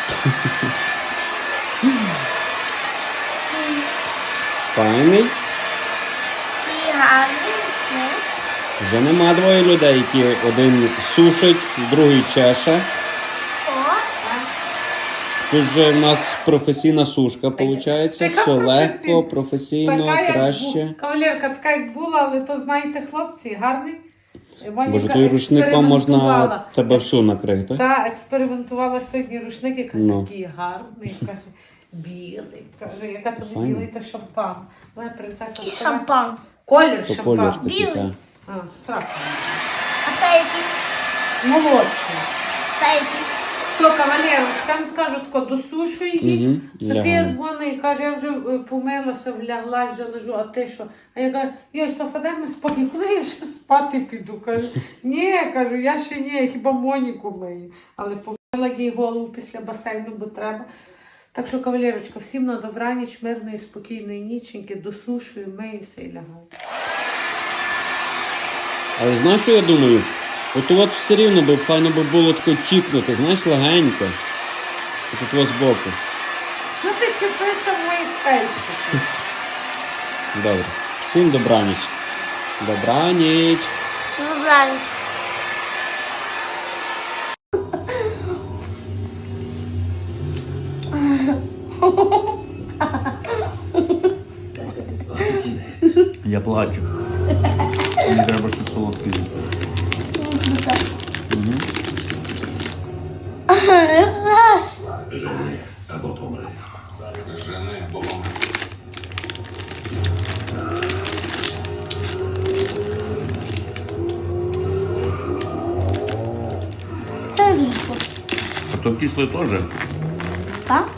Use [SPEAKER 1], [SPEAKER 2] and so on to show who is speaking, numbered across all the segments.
[SPEAKER 1] Файний.
[SPEAKER 2] І гарний сніг.
[SPEAKER 1] Вже нема двоє людей, які один сушить, другий чеше.
[SPEAKER 2] О,
[SPEAKER 1] Тут же в нас професійна сушка, виходить.
[SPEAKER 3] Така
[SPEAKER 1] Все легко,
[SPEAKER 3] професійна.
[SPEAKER 1] професійно,
[SPEAKER 3] Кавалерка
[SPEAKER 1] краще.
[SPEAKER 3] така, як була, але то, знаєте, хлопці, гарний.
[SPEAKER 1] Боже, той рушником можна тебе всю накрити.
[SPEAKER 3] Так, експериментувала сьогодні рушник, який
[SPEAKER 1] Ну.
[SPEAKER 3] такий гарний, каже, білий. Каже, яка тобі
[SPEAKER 1] Файно.
[SPEAKER 3] білий, то шампан. Моя принцеса
[SPEAKER 2] і
[SPEAKER 3] сказала,
[SPEAKER 2] шампан.
[SPEAKER 3] колір
[SPEAKER 1] То
[SPEAKER 3] шампан.
[SPEAKER 1] колір такий,
[SPEAKER 2] Білий.
[SPEAKER 1] так.
[SPEAKER 3] А, страшно.
[SPEAKER 2] А це який?
[SPEAKER 3] Молодший.
[SPEAKER 2] Це який?
[SPEAKER 3] Що, кавалерочка, я вам скажу, тако, досушую її.
[SPEAKER 1] Мгм,
[SPEAKER 3] Софія
[SPEAKER 1] лягаю.
[SPEAKER 3] дзвонить і каже, я вже помилася, вляглась, вже лежу, а ти що? А я кажу, йой, Софа, дай ми спокій, коли я ще спати піду? Кажу, ні, кажу, я ще ні, я хіба Моніку мию. Але помила їй голову після басейну, бо треба. Так що, кавалерочка, всім на добраніч, мирної, спокійної ніченьки, досушую, миюся і лягаю.
[SPEAKER 1] Але знаєш, що я думаю? От все рівно би файно би було тако чіпнути, знаєш, легенько. Тут ось збоку.
[SPEAKER 3] Що ти чепишся в моїй фейсбуці?
[SPEAKER 1] Добре. Всім добраніч. Добраніч.
[SPEAKER 2] Добраніч.
[SPEAKER 1] Я плачу. Мені треба щось солодке їсти.
[SPEAKER 4] Жени або помри. Жени або помри.
[SPEAKER 2] Це дуже смачно.
[SPEAKER 1] А то кислий теж.
[SPEAKER 2] Так?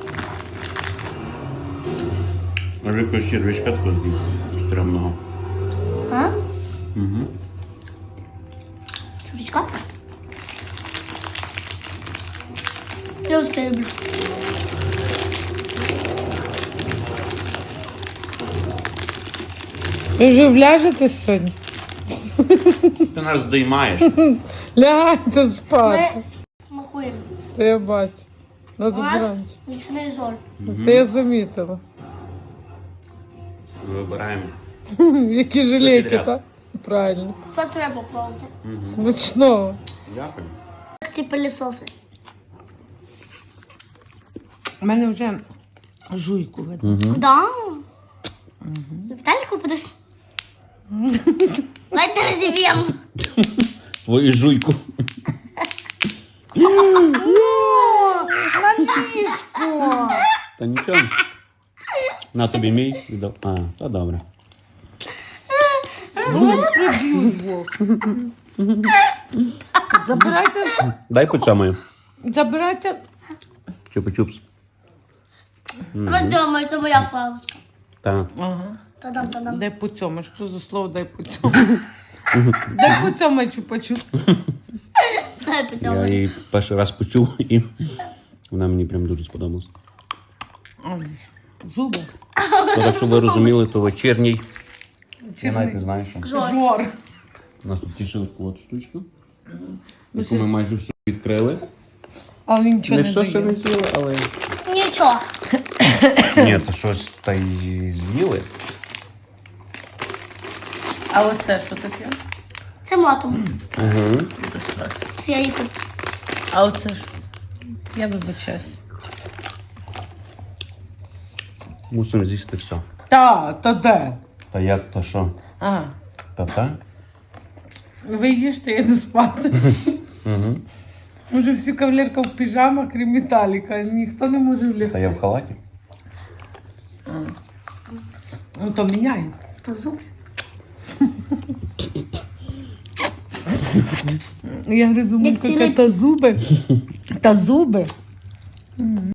[SPEAKER 1] Може якось червячка тако з'їв. Стрімного.
[SPEAKER 2] А?
[SPEAKER 1] Угу.
[SPEAKER 2] Чурочка? Я ось це люблю.
[SPEAKER 3] Ви вже вляжете сьогодні?
[SPEAKER 1] Ти нас здіймаєш.
[SPEAKER 3] Лягайте спати.
[SPEAKER 2] Ми смакуємо.
[SPEAKER 3] Та я бачу. На
[SPEAKER 2] У нас
[SPEAKER 3] добраніч.
[SPEAKER 2] нічний жоль.
[SPEAKER 3] Та я замітила.
[SPEAKER 1] Вибираємо.
[SPEAKER 3] Які жалейки,
[SPEAKER 1] Ряд.
[SPEAKER 3] так? Правильно.
[SPEAKER 2] Це треба пробувати.
[SPEAKER 3] Смачного.
[SPEAKER 1] Дякую.
[SPEAKER 2] Як ці пилісоси.
[SPEAKER 3] У мене вже жуйку видно.
[SPEAKER 2] Куда? Віталіку будеш? Давайте розіб'ємо.
[SPEAKER 1] Твою жуйку. Та нічого. На тобі мій. віддав. А, та добре.
[SPEAKER 3] Забирайте,
[SPEAKER 1] Дай поцьомаю.
[SPEAKER 3] забирайте.
[SPEAKER 1] Чупа-чупс.
[SPEAKER 2] Розьомай, це моя фразочка.
[SPEAKER 1] Та.
[SPEAKER 3] Ага.
[SPEAKER 2] Та-дам.
[SPEAKER 3] Дай по цьому. Що за слово дай по цьому? Дай по цьому чупа-чуп.
[SPEAKER 2] Дай
[SPEAKER 1] Я
[SPEAKER 2] поцьомай.
[SPEAKER 1] її перший раз почув і вона мені прям дуже сподобалась.
[SPEAKER 3] Зуби.
[SPEAKER 1] То, так, щоб ви розуміли, то вечірній. Я навіть не знаю, що.
[SPEAKER 3] Жор.
[SPEAKER 1] У нас тут тішили таку от штучку, яку ми майже всю відкрили.
[SPEAKER 3] Але нічого
[SPEAKER 1] Не
[SPEAKER 3] не
[SPEAKER 1] все ще не
[SPEAKER 3] дає.
[SPEAKER 1] з'їли, але...
[SPEAKER 2] Нічого.
[SPEAKER 1] Ні, то щось та й з'їли.
[SPEAKER 3] А оце що таке?
[SPEAKER 2] Це матом.
[SPEAKER 1] Угу.
[SPEAKER 2] Це я їхав.
[SPEAKER 3] А оце ж? Я вибачаюсь.
[SPEAKER 1] Мусимо з'їсти все.
[SPEAKER 3] Та де?
[SPEAKER 1] Та як, то що?
[SPEAKER 3] Ага.
[SPEAKER 1] Та-та?
[SPEAKER 3] Ви їжте, я йду спати.
[SPEAKER 1] Угу.
[SPEAKER 3] Може всі кавалерка в піжамах, крім Віталіка. Ніхто не може
[SPEAKER 1] Та
[SPEAKER 3] влягти.
[SPEAKER 1] я в халаті.
[SPEAKER 3] Ну то міняємо.
[SPEAKER 2] Та зуб.
[SPEAKER 3] Я гризу
[SPEAKER 2] Як
[SPEAKER 3] мулька,
[SPEAKER 2] цілий-
[SPEAKER 3] та зуби. Та зуби.